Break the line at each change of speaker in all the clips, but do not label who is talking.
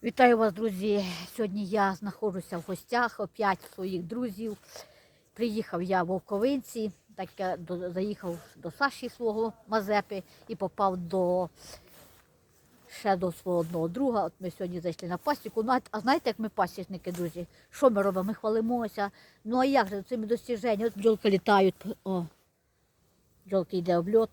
Вітаю вас, друзі! Сьогодні я знаходжуся в гостях опять своїх друзів. Приїхав я в Вовковинці, так я заїхав до Саші свого Мазепи і попав ще до свого одного друга. От ми сьогодні зайшли на пасіку. Ну, а знаєте, як ми пасічники, друзі? Що ми робимо? Ми хвалимося. Ну а як же цими достіженнями? От бджолки літають. О, бджолки йде обльот.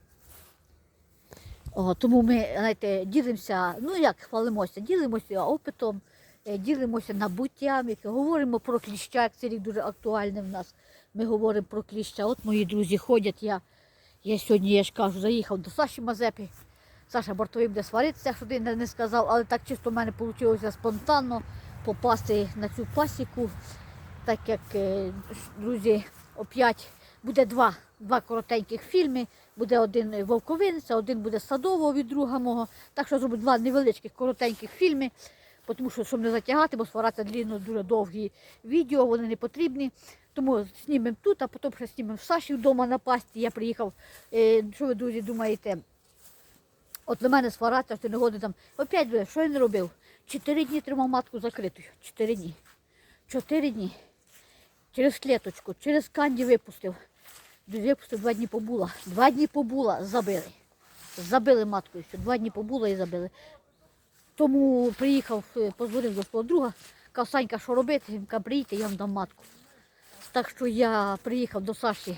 Тому ми, знаєте, ділимося, ну як хвалимося, ділимося опитом, ділимося набуттям, говоримо про кліща, як цей рік дуже актуальний в нас. Ми говоримо про кліща. От мої друзі ходять, я сьогодні, я ж кажу, заїхав до Саші Мазепи. Саша бортовий буде сваритися, що ти не сказав, але так чисто в мене вийшло спонтанно попасти на цю пасіку, так як, друзі, опять буде два коротеньких фільми. Буде один Вовковинця, один буде Садового від друга мого. Так що зроблю два невеличких коротеньких фільми, тому що, щоб не затягати, бо свараться дуже довгі відео, вони не потрібні. Тому знімемо тут, а потім ще знімемо в Саші вдома на пасті. Я приїхав, що ви, друзі, думаєте, от до мене свараться, що не годин там. Опять, що я не робив? 4 дні тримав матку закритою. 4 дні. 4 дні. Через клеточку, через канді випустив. Випустив, 2 дні побула. 2 дні побула, забили. Забили маткою, що 2 дні побула і забили. Тому приїхав, позвонив до свого друга, казав: Санька, що робити? Він каже: приїдьте, я вам дам матку. Так що я приїхав до Саші.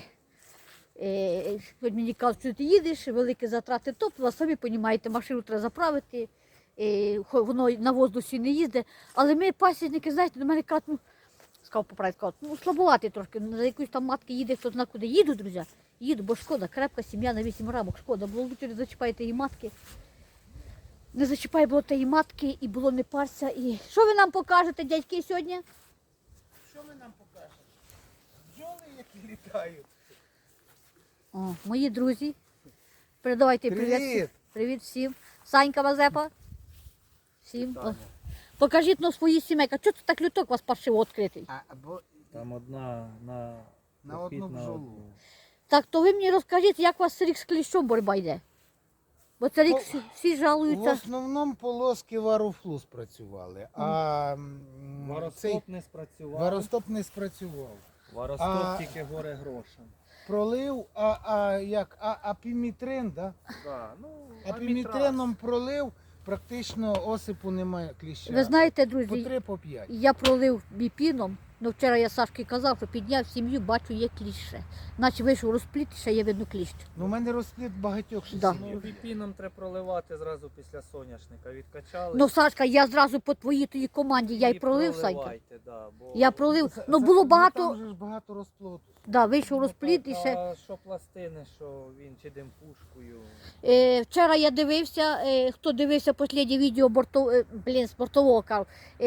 Мені кажуть, що ти їдеш, великі затрати топлива, самі розумієте, машину треба заправити, воно на воздусі не їздить. Але ми, пасічники, знаєте, до мене кажуть, сказав, слабувати трошки, за якусь там матки їде, хто знає куди. Їду, друзі, їду, бо шкода, крепка сім'я на 8 рамок, шкода. Було лучше не зачіпайте її матки. Не зачіпай було тієї матки і було не парся. І що ви нам покажете, дядьки, сьогодні?
Що ми нам покажемо? Бджоли, які літають.
О, мої друзі, передавайте привіт. Привіт всім. Санька Мазепа. Всім. Покажіть на свої сімейки. Чого це так люток у вас паршиво відкритий?
Там одна
на одну бджолу.
Так, то ви мені розкажіть, як у вас рік з кліщом боротьба йде? Бо це рік всі
В
жалуються.
основному полоски варофлу спрацювали, а
Варостоп не спрацював.
варостоп не спрацював.
Варостоп тільки горе грошем.
Пролив, апімітрин, да?
Да, ну,
Апімітрином пролив, практично осипу немає кліща.
Ви знаєте,
По
друзі,
3, по 5.
я пролив біпіном, але вчора я Сашки казав, що підняв сім'ю, бачу, є кліще. Наче вийшов розпліт, і ще є видно кліщ.
Ну, у мене розпліт багатьох
Да.
Ну, біпіном треба проливати зразу після соняшника. Відкачали.
Ну, Сашка, я зразу по твоїй команді, я й
і
пролив, Санька.
проливайте, да, бо...
Я пролив, ну було багато,
Там же ж багато розплоту.
да, вийшов
Ну,
розпліт і
так,
ще.
а що пластини, що він чи димпушкою.
Вчора я дивився, хто дивився останнє відео з бортового кажу.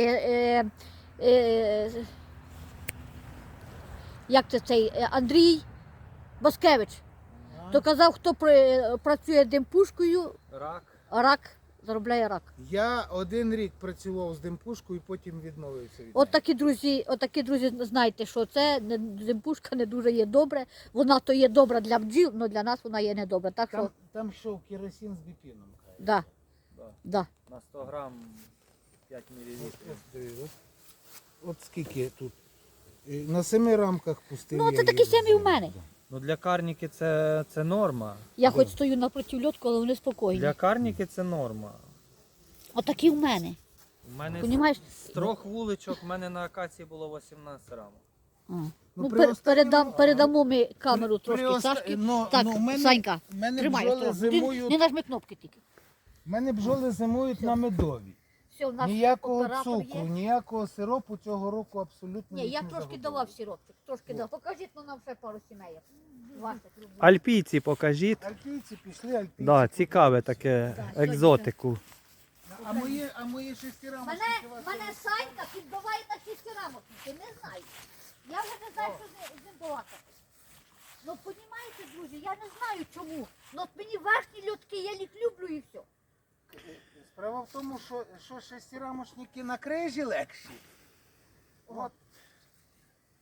Як це цей Андрій Баскевич. То казав, хто працює димпушкою,
Рак.
заробляє рак.
Я 1 рік працював з димпушкою і потім відмовився від
От такі друзі, знаєте, що це димпушка не дуже є добре. Вона то є добра для бджіл, але для нас вона є не добра. Так що,
Там йшов керосин з біпіном.
да,
Да.
да.
На 100 грам 5 мл.
От скільки тут? На 7 рамках пустив.
Ну,
я
це такі
її.
самі в мене.
Ну, для карніки це норма.
Я хоч стою напроти льотку, але вони спокійні.
Для карніки це норма.
Отакі в мене.
У мене
Понімаєш?
з 3 вуличок, в мене на акації було 18 рамок.
Ну,
при останньому-
передамо ми камеру
При
трошки
оста-
Сашки.
ну,
Так,
ну, в мене-
Санька,
в мене
тримай.
бджоли
осторожно.
зимують.
Не нажми кнопки тільки.
У мене бджоли зимують на медові.
Все, у нас
Ніякого
оператор
цукру,
є.
ніякого сиропу цього року абсолютно
Ні, я
не
трошки
загубив.
давав сиропчик, трошки дав. Покажіть нам ще пару сімей. Ваших любих.
Альпійці покажіть.
Альпійці пішли, альпійці.
Да, цікаве таке екзотику.
А мої шестирамочки
Мене Санька підбиває на 6 рамок. Ти не знаєш. Я вже не знаю, що з ним балакати. Ну, розумієте, друзі, я не знаю чому. Ну, от мені верхні льотки, я їх люблю і все.
Справа в тому, що шестирамочники на крижі легші.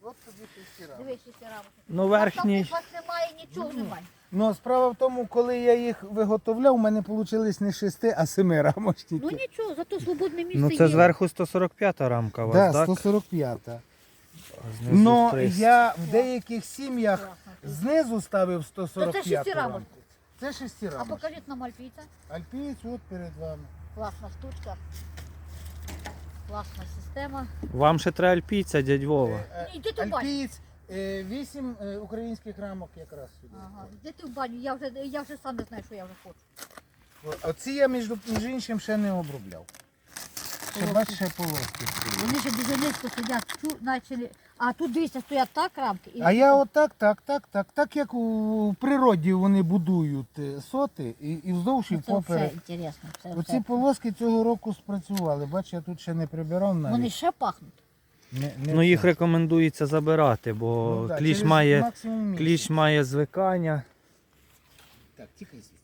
От тобі 6 рамок.
Дивись, 6 рамок.
Ну верхній.
Там у вас немає, нічого немає.
Ну, справа в тому, коли я їх виготовляв, у мене вийшли не 6, а 7 рамочники.
Ну нічого, зато свободне місце
Ну
є.
це зверху 145 рамка у вас,
Так,
так?
145.
Знизу
Ну,
300.
я в деяких сім'ях
Класно.
знизу ставив
То це
145
шестирамочник.
рамку. Це 6
А
рамок.
покажіть нам альпійця.
Альпієць от перед вами.
Класна штучка. Класна система.
Вам ще треба альпійця, дядь Вова.
Ні, йди ти в баню.
Альпієць 8 українських рамок якраз сюди.
Ага, йди ти в баню, я вже сам не знаю, що я вже хочу.
Оці я, між іншим, ще не обробляв. Ще бачиш, ще полоски.
Вони ще дуже низько сидять, наче не... А тут дивіться, стоять так рамки. І
А я отак, так як у природі вони будують соти і вздовж і
Ну, це все
поперек.
інтересно. Це
Оці
все.
полоски цього року спрацювали. Бач, я тут ще не прибирав навіть.
Вони ще пахнуть.
Ну їх рекомендується забирати, бо
Ну, да,
кліщ,
через
має,
максимум місяць.
кліщ має звикання.
Так, тікай звідси.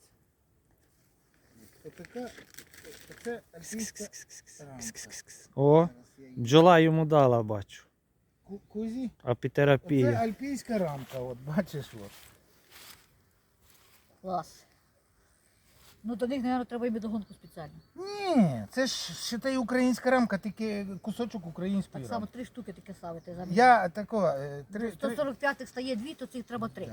Отака, це альпійська рамка.
О,
Зараз я її-
бджола йому дала, бачу.
Кузі. Це
Апітерапія.
альпійська рамка, от бачиш. От.
Клас. Ну до них, мабуть, треба і медогонку спеціально.
Ні, це ж считай українська рамка, тільки кусочок української
Так само
рамки.
3 штуки таке ставити замість.
Я тако,
145-х стає 2, то цих треба 3.
Да.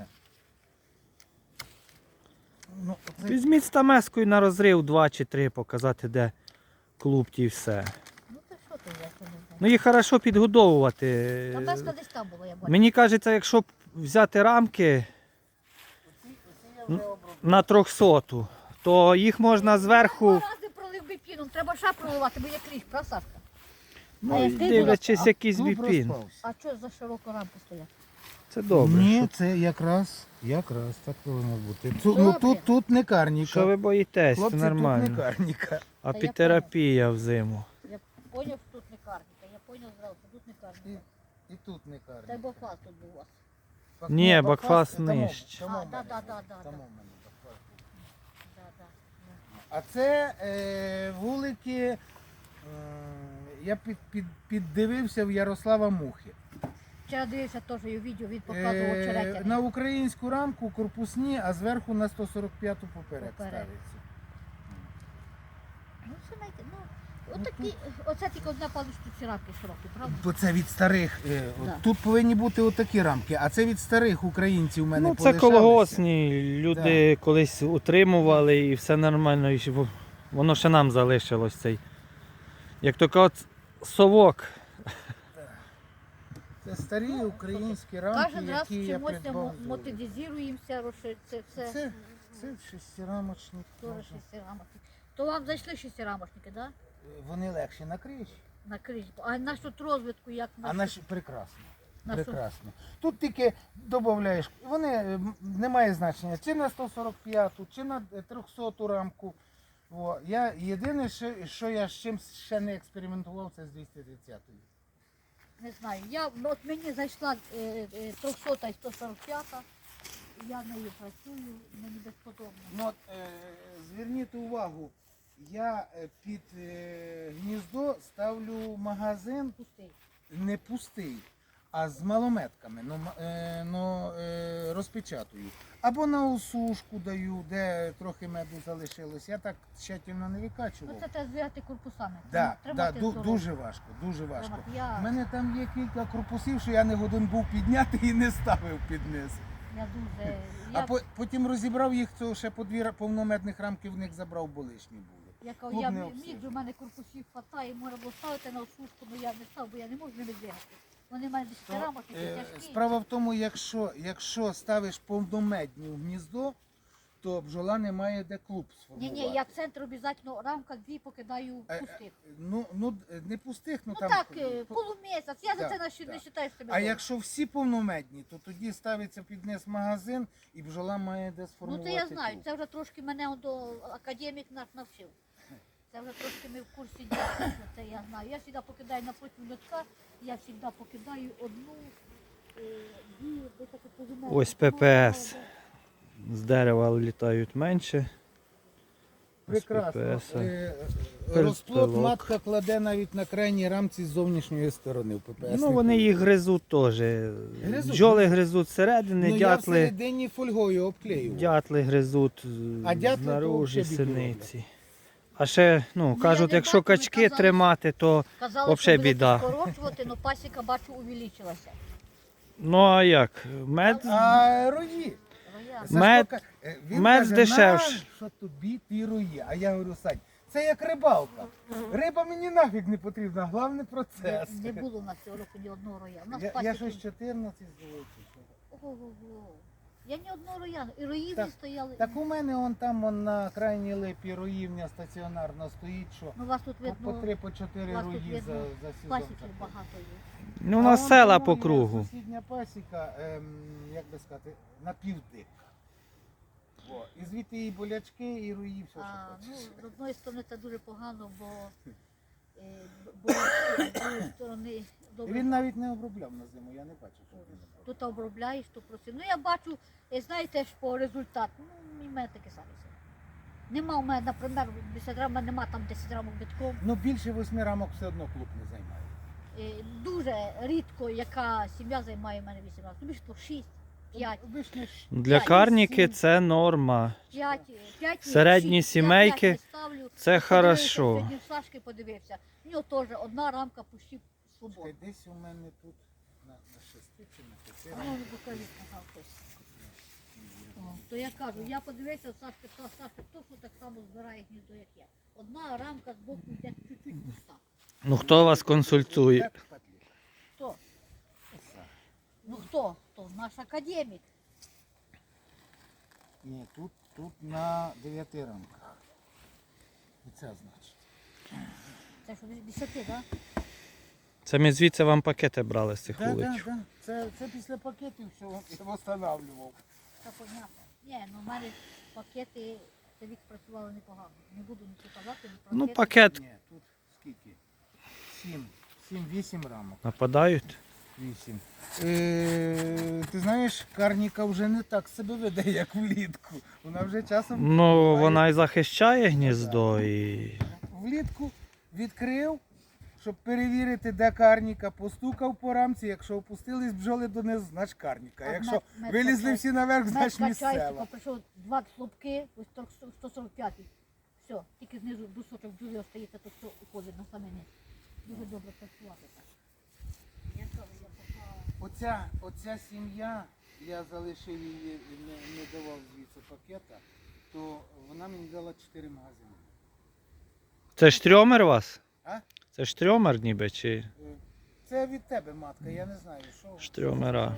Ну, це,
Візьміть стамескою на розрив 2 чи 3, показати, де клуб і все.
Ну то що ти, я це не знаю.
Ну їх хорошо підгодовувати.
Та безка десь там була, я бачу.
Мені кажеться, якщо б взяти рамки
оці я вже обробив.
на 300, то їх можна зверху,
Два рази пролив біпіном, треба ще проливати, бо є кліщ, правда, Сашка? А
ну,
як ти
дивлячись,
була-
якийсь
Клуб
біпін.
розпався.
А що за широку рамку стоять?
Це добре.
Ні,
Що,
це якраз так повинно бути.
Добре.
Тут не карніка.
що ви боїтесь, це
Хлопці, тут не
нормально.
карніка.
Апітерапія взиму.
Я поняв, що тут не карніка, я поняв зразу, що тут не карніка.
І тут не
Та й
карніка.
бокфас тут був у вас.
Ні, бакфас
тамо-
нижче.
тамо в
А,
мене,
да.
тамо в мене бакфас був.
Да.
А це вулики, я піддивився в Ярослава Мухи.
Вчора дивився теж його відео, він показував очеретяни.
На українську рамку корпусні, а зверху на 145-ту поперек
Поперек.
ставиться.
Ну, це знаєте, отакі, оце тільки одна паличка ці рамки широкі, правда?
Бо це від старих.
Да.
Тут повинні бути отакі рамки, а це від старих українців у мене
Ну це
полишалися.
колгосні, люди колись утримували і все нормально, і воно ще нам залишилось цей. Як то кажуть, совок.
Це старі українські рамки,
Кожен раз
які я
чимось
придбав.
мотивізуємося, це все.
Це шестирамочник.
Тоже шестирамочники. То вам зайшли шестирамочники, да?
Вони легші на криші,
На крижі. А на що тут розвитку, як
а наші прекрасно.
на що?
Прекрасно. Тут тільки додаєш, вони не має значення, чи на 145-ту, чи на 300-ту рамку. О, я єдине, що я з чим ще не експериментував, це з 230-ю.
Не знаю. От мені зайшла 300 і 145, я нею працюю, мені безподобно.
Ну, от, зверніть увагу, я під гніздо ставлю магазин
Пустий.
не пустий, а з малометками, розпечатую. Або на осушку даю, де трохи меду залишилось. Я так тщательно не
Ну
викачував.
це треба збирати корпусами.
Да,
Тримати здорово.
дуже важко, дуже важко.
Тримати.
У мене там є кілька корпусів, що я не годен був підняти і не ставив під низ.
Я дуже.
А потім розібрав їх, то ще по 2 повномедних рамки в них забрав, бо лишні були.
Я кажу,
клуб
я
не
міг,
обсижений.
у мене корпусів хватає, можна було ставити на осушку, але я не став, бо я не можу ними двигати. Вони в мене десь
То,
рамочки тяжкі.
Справа в тому, якщо ставиш повномедні в гніздо, то бджола не має де клуб сформувати.
Ні, я центр обов'язково рамка 2 покидаю пустих.
Ну, не пустих,
Ну
там.
так, полумісяць, я за
Так,
це не
так.
вважаю себе.
А
добре.
якщо всі повномедні, то тоді ставиться під низ магазин і бджола має де
Ну
сформувати
це я знаю,
клуб.
це вже трошки мене до академік наш навчив. Це вже трошки ми в курсі діла, це я знаю. Я завжди покидаю напроти льотка, я завжди покидаю одну, дві, де таке позумерне.
Ось ППС. З дерева літають менше.
Прекрасно.
PPS.
Розплод
Пилок.
матка кладе навіть на крайній рамці з зовнішньої сторони в ППС.
Ну вони їх гризуть теж. Бджоли гризуть зсередини,
Ну, я
дятли,
всередині фольгою обклею.
дятли гризуть
А дятли
знаружі,
то взагалі біду
синиці. А ще, ну,
я
кажуть,
не
якщо
бачу, ви
качки
казали,
тримати, то
Казали,
Вообще
що будете
біда.
скорочувати, але пасіка, бачу, увеличилася.
ну а як? Мед,
А рої.
Роя.
Сашко
Мед-
ка- він
мед
каже,
дешевше.
що тобі ті рої? А я говорю, Сань, це як рибалка. Риба мені нафіг не потрібна, головне процес.
Не було у нас цього року ні одного роя. У нас
Я
пасіки.
щось 14 зловив.
Ого-го. Я ні одного роя, і роїв
Так,
не стояли.
Так у мене он там он на крайній липі роївня стаціонарно стоїть, що
Ну, у вас тут
по
видно,
3-4
у вас тут
рої
видно
за сезон.
пасіків багато є.
ну у нас
он
села
у
по
мене
кругу.
Сусідня пасіка, як би сказати, напівдик. І звідти і болячки, і рої, все,
А,
що
ну,
хочеш.
з одної сторони це дуже погано, бо з другої сторони
І
добре.
він навіть не обробляв на зиму, я не бачив, що він обробляв.
Тут обробляєш, то просив. Ну я бачу, знаєте ж по результату, ну і в мене таке саме. Нема у мене, наприклад, 10 рамок, нема там 10 рамок битком.
Ну більше 8 рамок все одно клуб не займає.
Дуже рідко, яка сім'я займає в мене 8 рамок. Ну більше то 6, 5,
Ви ж не ж-
Для
п'ять,
карніки
сім.
це норма.
5,
Середні сімейки це хорошо.
Сьогодні в Сашки подивився. У нього теж одна рамка пущі свободна.
Чекай, десь у мене тут на 6 чи на 5
А ну, покажіть, ага, хтось. О, то я кажу, я подивився, Сашка точно так само збирає гніздо, як я. Одна рамка з боку йде чуть-чуть пуста.
Ну хто вас консультує?
Так, падлі.
Хто? Ну хто? Хто? Наш академік.
Ні, тут на 9 рамках. І це значить.
Це що, 10, так? Да?
Це ми звідси вам пакети брали з цих
Так,
вуличів.
так, так. Це після пакетів все я встановлював.
Це понятно. Ні, ну в мене пакети, це вік працювали непогано. Не буду нічого казати,
Ну
пакети.
пакет
Ні, тут скільки? 7-8 рамок.
нападають.
8. Ти знаєш, карніка вже не так себе веде, як влітку. Вона вже часом
Ну
буває,
вона і захищає гніздо і.
влітку відкрив, щоб перевірити, де карніка, постукав по рамці. Якщо опустились бджоли донизу, значить карніка.
А
Якщо
мед
вилізли
качає.
всі наверх,
Мед
значить
качається,
місцева.
прийшов 2 слупки, ось 145. Все, тільки знизу дусочок бджоли остається, то все уходить на саме низ. Дуже добре працювати так. Я кажу, я пока...
Оця сім'я, я залишив її, не давав звідси пакета, то вона мені дала 4 магазини.
Це штрьомер у вас?
А?
Це штрьомер ніби чи.
Це від тебе, матка, я не знаю, що.
Штрьомера.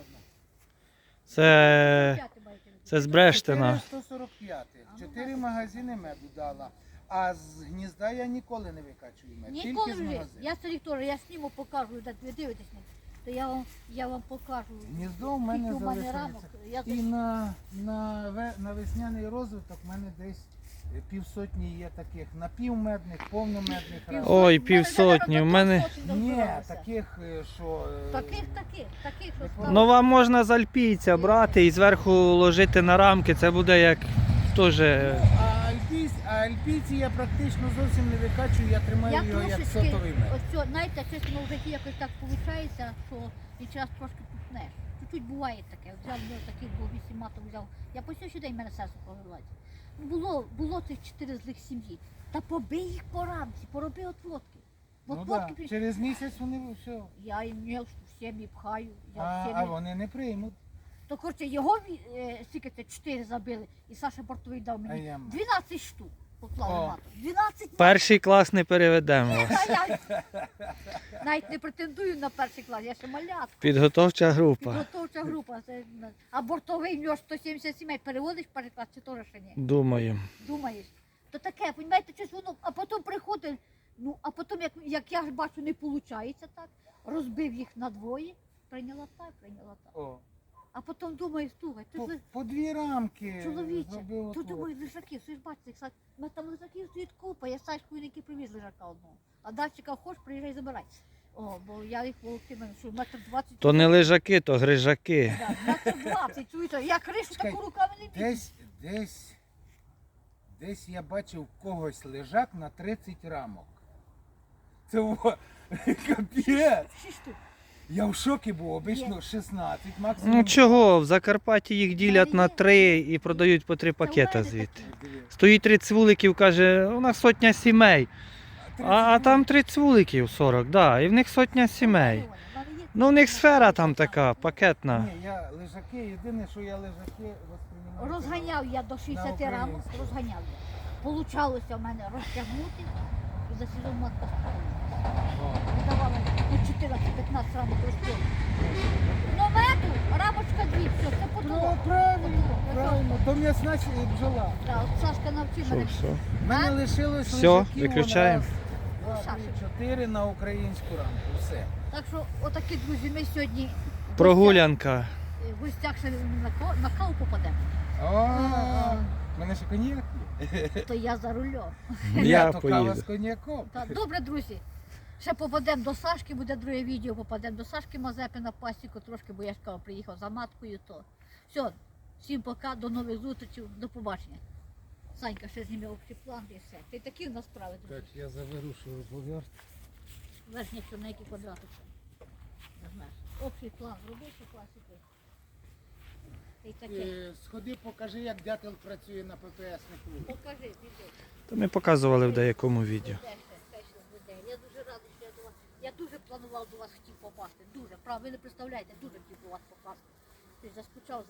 Це. Це з Брештина.
445. 4 магазини меду дала. А з гнізда я ніколи не викачую мед.
Ніколи
Тільки з
вже.
магазину.
Я старик теж, я сніму покажу, де ви дивитесь, то я вам покажу.
Гніздо в мене
Скільки у мене рамок.
залишається.
Я
І на весняний розвиток в мене десь півсотні є таких напівмедних, повномедних рамок.
Ой, півсотні. У мене.
Ні, таких, що...
Таких, що
Ну,
стало.
Ну вам можна з альпійця брати і зверху ложити на рамки. Це буде як теж.
А альпійці я практично зовсім не викачую, я тримаю
Я
його як
трошечки,
сотовий мед.
ось, знаєте, чесно, в житті якось так виходить, що і час трошки пухнеш. Чуть-чуть буває таке. Взяв такий, бо 8 маток взяв. Я по сьогодні день мене серце погорілося. Було цих 4 злих сім'ї. Та побий їх по рамці, пороби отводки.
Ну,
Отводки
да. Через місяць вони все.
Я їм в сім'ї пхаю. Я в
А
сім'ї.
вони не приймуть.
То коротше, його скільки це 4 забили, і Саша Бортовий дав
А
мені
я-
12 штук. Поклали
О.
маток. 12 маток.
Перший клас не переведемо вас.
А я навіть не претендую на перший клас, я ще малятка.
Підготовча група.
Підготовча група. А бортовий в нього 170 сімей. Переводиш в перший клас чи теж ще ні?
Думаю.
Думаєш? То таке, розумієте, щось воно, а потім приходить, ну, а потім, як я ж бачу, не виходить так, розбив їх на двоє, прийняла так.
О,
А потім думаю, слухай, ти ж
по 2 рамки
чоловіче,
зробив
тут
отвод.
думаю, лежаків, ви ж бачите, Саш, у мене там лежаків стоїть купа, я Сашкою не привіз лежака одного. А далі хочеш, приїжджай, забирай. О, бо я їх волокину, що метр 20.
То не лежаки, то грижаки.
Да, метр 20, чуєте, я кришу
Чекай,
таку руками не бігу.
Десь Десь я бачив когось лежак на 30 рамок. Це капець.
6 штук.
Я в шокі був, обично 16, максимум.
Ну чого, в Закарпатті їх ділять на 3 і продають по 3 пакета звідти. Стоїть 30 вуликів, каже, у нас сотня сімей. А там 30 вуликів 40, да, і в них сотня сімей. Ну в них сфера там така, пакетна.
Ні, я лежаки, єдине, що я лежаки восприймаю.
Розганяв я до 60
На
рамок,
українську.
розганяв я. Получалося в мене розтягнути і за сезон матка давала ну, 14-15 рамок розтягнути. Ну мету, рамочка 2, все, це потолок.
Правильно, то м'ясна бджола.
Да, от Сашка навчив
Що,
мене.
все?
У мене лишилось
Все,
лежаків
виключаємо.
4 на українську рамку, все.
Так що, отакі, друзі, ми сьогодні
Прогулянка.
в гостях ще на каву попадемо.
У мене ще коньяк є.
То я за рулем.
Я
то кава з
поїду.
коньяком.
Так, добре, друзі. Ще попадемо до Сашки, буде друге відео, попадемо до Сашки Мазепи на пасіку трошки, бо я ж кажу, приїхав за маткою, то все. Всім пока, до нових зустрічей, до побачення. Санька ще зніме общий план і все. Ти такі в нас справи, друзі.
Так, я заберу, що поверх.
Верхня чорненький квадратик. Не знаєш. Общий план зробив по пасіку. Ти таке.
Сходи, покажи, як дятел працює на ППСнику.
Покажи, піди.
То ми показували в деякому відео.
Я дуже радий, що я до вас. Я дуже планував до вас хотів попасти. Дуже. Правда, ви не представляєте, дуже хотів до вас попасти. Ти заскучав за